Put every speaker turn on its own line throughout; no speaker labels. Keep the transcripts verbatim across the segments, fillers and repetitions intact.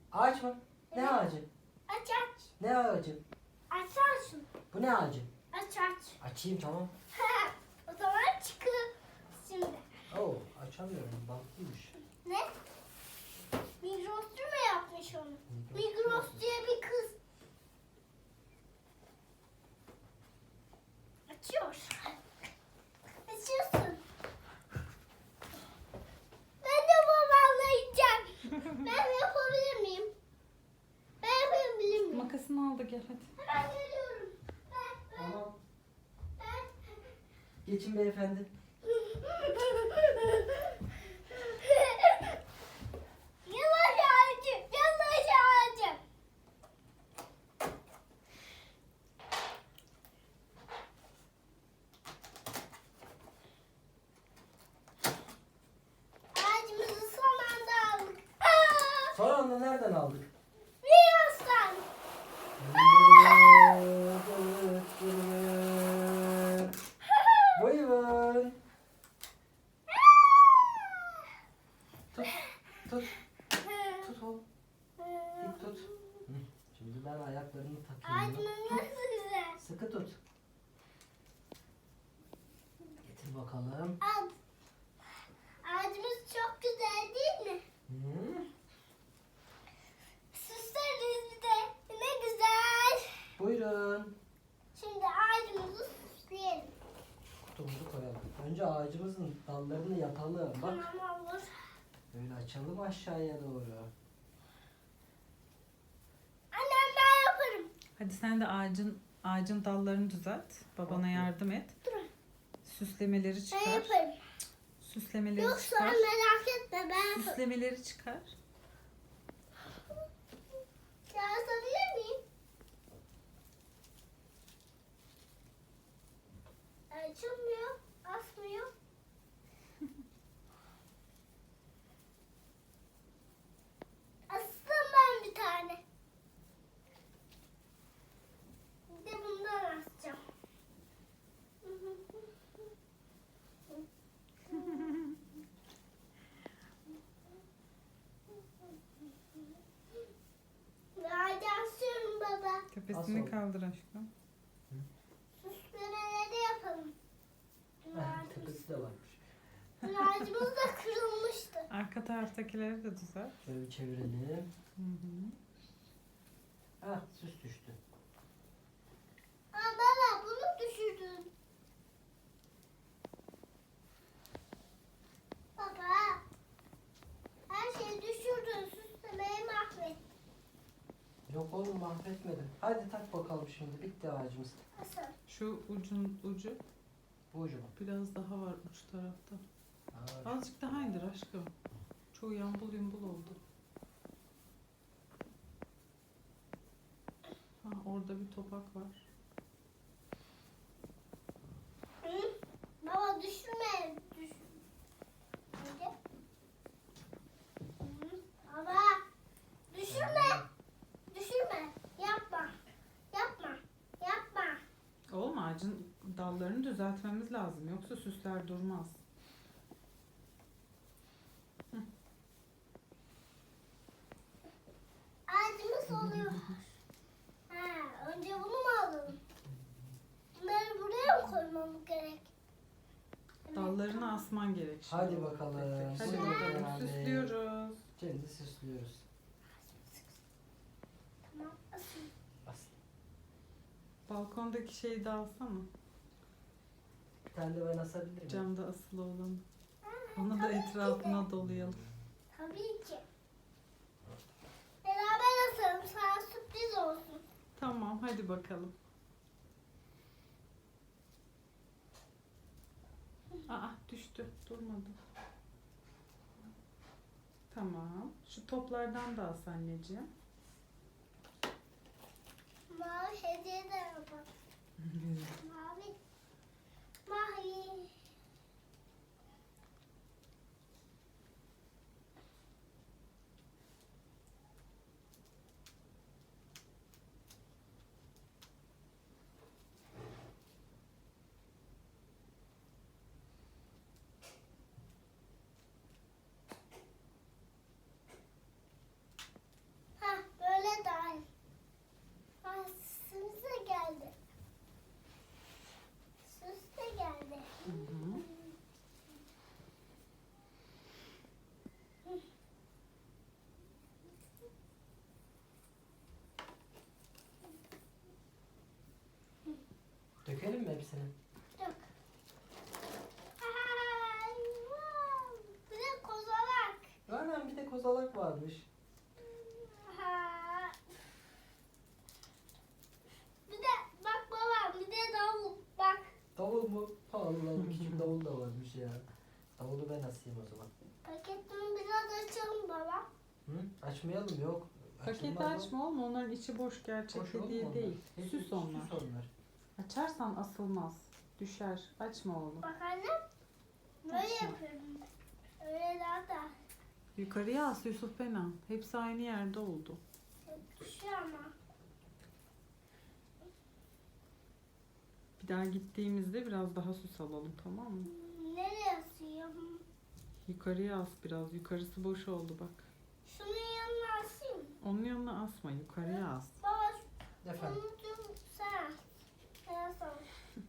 Ağaç mı? Ne
Evet.
ağacı?
Aç aç.
Ne ağacı?
Açarsın.
Bu ne ağacı?
Aç aç.
Açayım tamam.
O zaman çıkıyor şimdi.
Oo açamıyorum. Bantlıymış.
Ne? Migros'cu mu yapmış onu? Migros diye bir kız. Açıyor. Açıyorsun. Ben de babamla yiyeceğim. Ben yapabilir miyim? Ben yapabilir miyim?
Makasını al da gel hadi.
Hemen geliyorum. Ben, ben,
Tamam.
ben.
Geçin beyefendi.
Yavaş ağacım, yavaş ağacım. Ağacımızı son anda aldık. Aa!
Sonra onu nereden aldık?
Migros'tan.
Buyurun. Tut. Tut. Tut oğlum. İp tut. Hı. Şimdi ben ayaklarını takıyorum.
Ağacımız nasıl güzel.
Sıkı tut. Getir bakalım.
Al. Ağacımız çok güzel değil mi?
Hı.
Süsleriz bir de. Ne güzel.
Buyurun.
Şimdi ağacımızı süsleyelim.
Kutumuzu koyalım. Önce ağacımızın dallarını yapalım. Bak.
Tamam olur.
Böyle açalım aşağıya doğru.
Annem ben yaparım.
Hadi sen de ağacın ağacın dallarını düzelt. Babana
Tamam.
yardım et.
Dur.
Süslemeleri
Ben
çıkar.
yaparım.
Süslemeleri
Yok sen
çıkar.
merak etme ben yaparım.
Süslemeleri çıkar.
Yazabilir miyim? Açılmıyor. Asmıyor. Astım ben bir tane. Bir de bundan asacağım. Hadi asıyorum baba.
Tepesini
Nasıl?
kaldır aşkım.
Süslemeleri yapalım. Dün
Heh,
ağacımız,
tepesi de varmış.
dün ağacımız da kırılmıştı.
Arka taraftakileri de düzelt.
Şöyle bir çevirelim.
Hı hı.
Ah süs düştü.
Aa baba bunu düşürdün. Baba. Her şeyi düşürdün. Süslemeyi mahvettin.
Yok oğlum mahvetmedim. Hadi tak bakalım şimdi. Bitti ağacımız.
Nasıl?
Şu ucun ucu
Bu ucu mu?
biraz daha var uç tarafta.
Aa,
Azıcık daha indir aşkım. Çoğu yambul yumbul oldu. Ha, orada bir topak var.
Hı? Baba düşürme. Düş. Hadi. Hı? Baba. Düşürme. Düşürme. Yapma. Yapma. Yapma.
Oğlum ağacın dallarını düzeltmemiz lazım. Yoksa süsler durmaz.
Ağacımız oluyor. Ha, önce bunu mu alalım? Bunları buraya mı koymamız gerek?
Dallarını asman gerek şimdi.
Hadi bakalım.
Hadi
Buyurun
bakalım
Kenan Bey.
süslüyoruz.
Şimdi süslüyoruz.
Tamam. Asıl.
Bas.
Balkondaki şeyi de alsana.
Bir tane de ben asabilir miyim?
Camda asılı olan. Onu da etrafına dolayalım.
Tabii ki. Beraber asalım. Sana sürpriz olsun.
Tamam hadi bakalım. Aa düştü. Durmadı. Tamam. Şu toplardan da as anneciğim.
Mavi hediye de yapalım. Mavi. Mavi. Ha
hepsini.
Dök. Ay, wow. Bir de kozalak.
Aynen bir de kozalak varmış.
Ha. Bir de bak babam, bir de davul. Bak.
Davul mu? Allah Allah, küçük davul da varmış ya. Davulu ben asayım o zaman.
Paketimi biraz açalım baba.
Hı? Açmayalım, yok.
Paketi
Açılmaz o.
açma oğlum. Onların içi boş, gerçek
Boş olur mu
hediye
onlar?
değil.
Hepsi
Süs onlar.
Süs onlar.
Açarsan asılmaz. Düşer. Açma oğlum.
Bak annem. Böyle
Açma.
yapıyorum. Öyle daha da
Yukarıya as Yusuf Benan. Hepsi aynı yerde oldu.
düşüyor ama.
Bir daha gittiğimizde biraz daha süs alalım, tamam mı?
Nereye asıyorum?
Yukarıya as biraz. Yukarısı boş oldu bak.
Şunun yanına asayım.
Onun yanına asma. Yukarıya as.
Baba
Efendim.
şunu tut sen. Sen asal.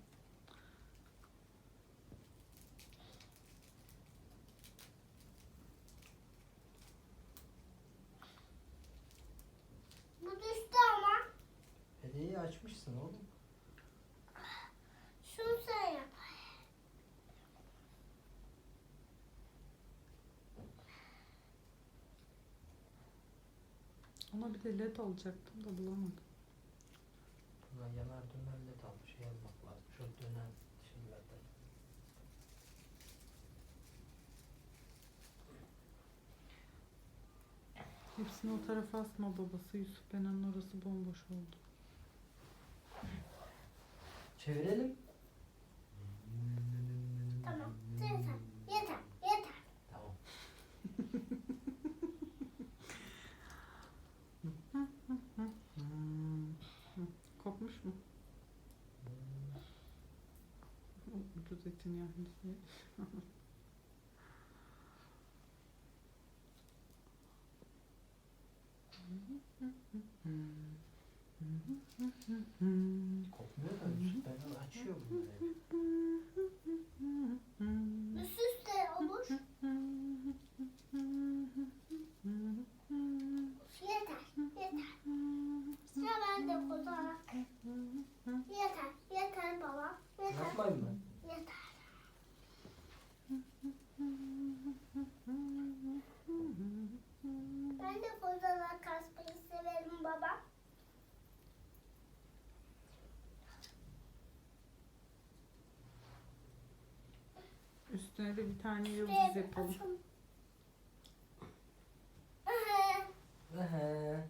Bu düştü ama.
Hediyeyi açmışsın oğlum.
Şunu sen yap.
Ona bir de led alacaktım da bulamadım.
Buna yanar döner led al. Şey almak lazım. Şu dönen şeylerden.
Hepsini o tarafa asma babası. Yusuf Benan'ın orası bomboş oldu.
Çevirelim.
Tamam. Yeter. Yeter. Yeter.
Tamam.
Hmm. Hı, kopmuş mu? Ucuz etin yahnisi.
Kopmuyor da Yusuf ben açıyor bunları.
Üst üste olur. Yeter. Yeter. Sıra bende kozalak. Yeter. Yeter baba. Yeter.
Yapmayın mı?
Yeter. Ben de kozalak kasmayı severim baba.
Üstüne de bir tane yıldız
Şuraya bir
yapalım.
asalım. Aha.
Ehe.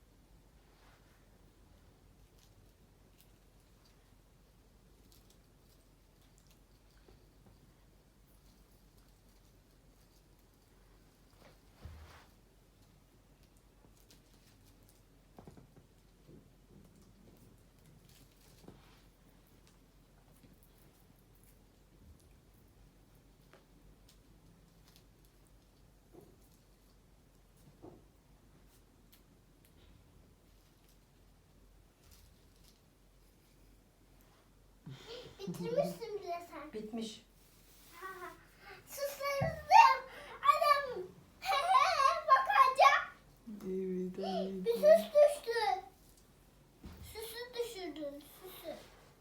Bitirmişsin bile sen.
Bitmiş.
Süslerim. Annem. Bakacağım.
Evet,
Bir süs düştü. Süsü düşürdün. Süsü.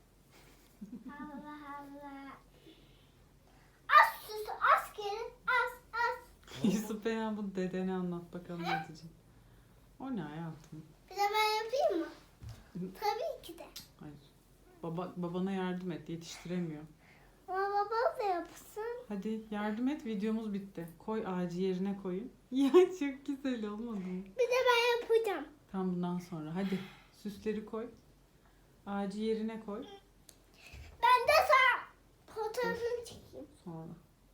Allah Allah. Az süsü. Az geri. Az az.
Yusuf Benan, bu dedene anlat bakalım ne diyecek. O ne hayatım?
Bir de ben yapayım mı? Tabii ki de.
Hayır. Baba, babana yardım et, yetiştiremiyor.
Ama babam da yapsın.
Hadi yardım et, videomuz bitti. Koy, ağacı yerine koyun. Ya çok güzel olmadı mı?
Bir de ben yapacağım.
Tam bundan sonra hadi süsleri koy. Ağacı yerine koy.
Ben de sana fotoğrafını çekeyim.
Sonra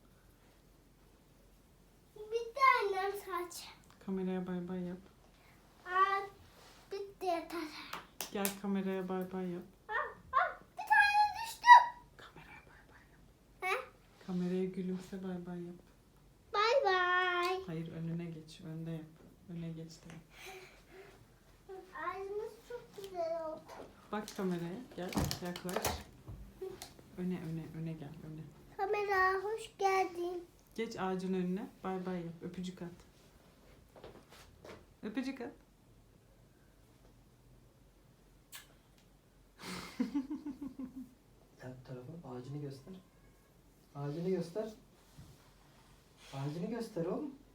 Bitti annem saç.
kameraya bay bay yap.
Aa, bitti yeter.
Gel kameraya bay bay yap.
Aa, aa, bir tane düştü.
Kameraya bay bay yap.
He?
Kameraya gülümse bay bay yap.
Bay bay.
Hayır, önüne geç, önde yap. Öne geç de yap.
Ağzımız çok güzel oldu.
Bak kameraya, gel yaklaş. Öne öne öne gel öne.
Kamera hoş geldin.
Geç ağacın önüne, bay bay yap. Öpücük at. Öpücük at.
Yaptı. Ağacını göster. Ağacını göster. Ağacını göster oğlum.